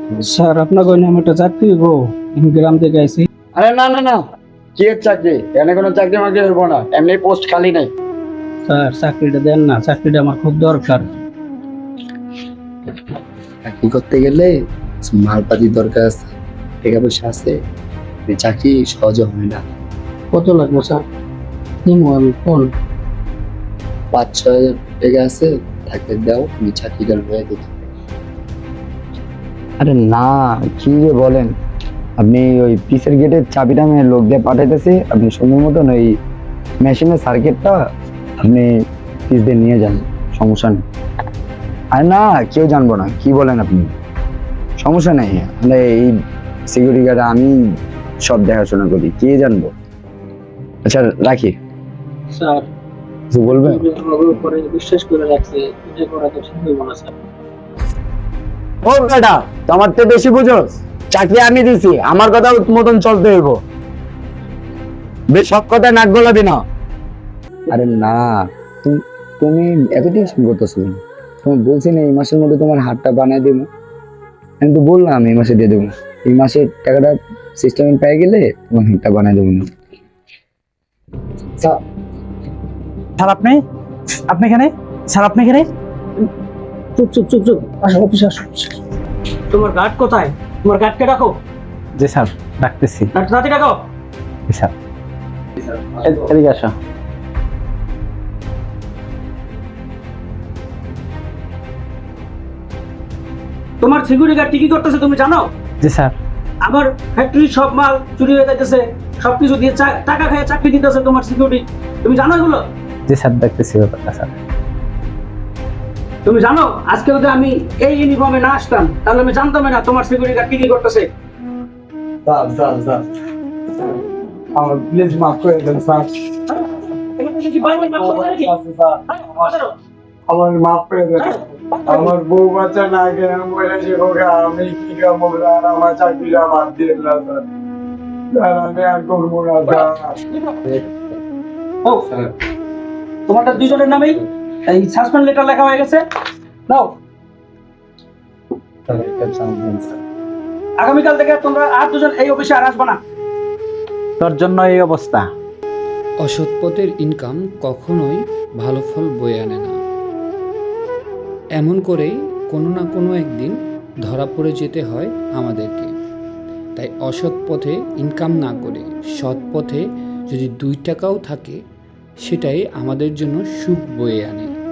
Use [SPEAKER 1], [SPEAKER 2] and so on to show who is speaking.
[SPEAKER 1] Sir আপনাকে আমি একটা চাকরি গো গ্রাম থেকে আইছি।
[SPEAKER 2] আরে না না না, কি এর চাকরি? এনে কোনো চাকরি মাকরি হইব না, এমনি পোস্ট খালি নাই।
[SPEAKER 1] স্যার চাকরিটা দেন না, চাকরিটা আমার খুব দরকার।
[SPEAKER 2] চাকরি করতে গেলে মালপাতি দরকার আছে, টাকা পয়সা আছে, এই চাকরি সহজে হয় না।
[SPEAKER 1] কত লাগবে স্যার? নিমো আমি ফোন।
[SPEAKER 2] 5-6 হাজার টাকা আছে, থাকলে দাও, আমি চাকরিটা হয়ে দেখি।
[SPEAKER 3] আরে না, কি যে বলেন আপনি? ওই পিসের গেটের চাবিটা আমি লোক দিয়ে পাঠাইতেছি, আপনি সময় মতন ওই মেশিনের সার্কিটটা আপনি পিস দিয়ে নিয়ে যান, সমস্যা নেই। আর না, কেউ জানবো না, কি বলেন আপনি? সমস্যা নেই, মানে এই সিকিউরিটি গার্ড আমি সব দেখাশোনা করি, কে জানবো। আচ্ছা রাখি।
[SPEAKER 1] স্যার
[SPEAKER 3] কিছু বলবেন?
[SPEAKER 1] আমার উপরে বিশ্বাস করে রাখছে, এটা করা তো ঠিক হইব না স্যার।
[SPEAKER 3] ও বেটা, তোমার তো বেশি বুঝোস, চাকরি আমি দিছি, আমার কথা মতন চলতে হইব, বেশ সব কথা নাক গলাবি না। আরে না, তুমি এত টেনশন করতেছো কেন? তোমার বলছি না এই মাসের মধ্যে তোমার হাতটা বানিয়ে দেবো, আমি তো বললাম এই মাসে দিয়ে দেবো, এই মাসে টাকাটা সিস্টেম পেয়ে গেলে তোমার হাতটা বানিয়ে দেবো না।
[SPEAKER 4] স্যার আপনি আপনি এখানে? স্যার আপনি এখানে?
[SPEAKER 1] চুপ চুপ চুপ চুপ, আসো অফিসে আসো। তোমার গার্ড কোথায়? তোমার গার্ডকে রাখো।
[SPEAKER 4] জি স্যার, ডাকতেছি।
[SPEAKER 1] গার্ড রাতে রাখো।
[SPEAKER 4] জি স্যার, এদিকে আসো।
[SPEAKER 1] তোমার সিকিউরিটি গার্ড কি করতেছে তুমি জানো?
[SPEAKER 4] জি স্যার।
[SPEAKER 1] আমার ফ্যাক্টরির সব মাল চুরি হয়ে যাইতেছে, সবকিছু দিয়ে টাকা খেয়ে চাকরি দিতেছে তোমার সিকিউরিটি। তুমি জানো এগুলো?
[SPEAKER 4] জি স্যার, দেখতেছি ব্যাপারটা স্যার।
[SPEAKER 1] তুমি জানো আজকে যদি আমি এই ইউনিফর্মে না আসতাম তাহলে আমি জানতাম না তোমার সিকিউরিটি গার্ড কি করতেছে।
[SPEAKER 3] আমার প্লিজ মাফ করে দেন স্যার, আমার মাফ করে দেন, আমার বউ বাচ্চা না গেলে বলেছে ওকে আমি কি কাম আর আমার চাকরিটা বাদ দিয়ে দিলাম স্যার, স্যার আমি আর করবো না স্যার।
[SPEAKER 1] ও তোমাদের দুজনের নামেই এই সাসপেন্ড লেটার লেখা হয়ে গেছে। নাও, আগামীকাল থেকে তোমরা আর দুজন এই অফিসে আর আসবে না।
[SPEAKER 4] তোর জন্য এই অবস্থা।
[SPEAKER 5] অসৎ পথের ইনকাম কখনোই ভালো ফল বয়ে আনে না। এমন করেই কোনো না কোনো একদিন ধরা পড়ে যেতে হয় আমাদেরকে। তাই অসৎ পথে ইনকাম না করে সৎ পথে যদি 2 টাকাও থাকে সেটাই আমাদের জন্য সুখ বয়ে আনে।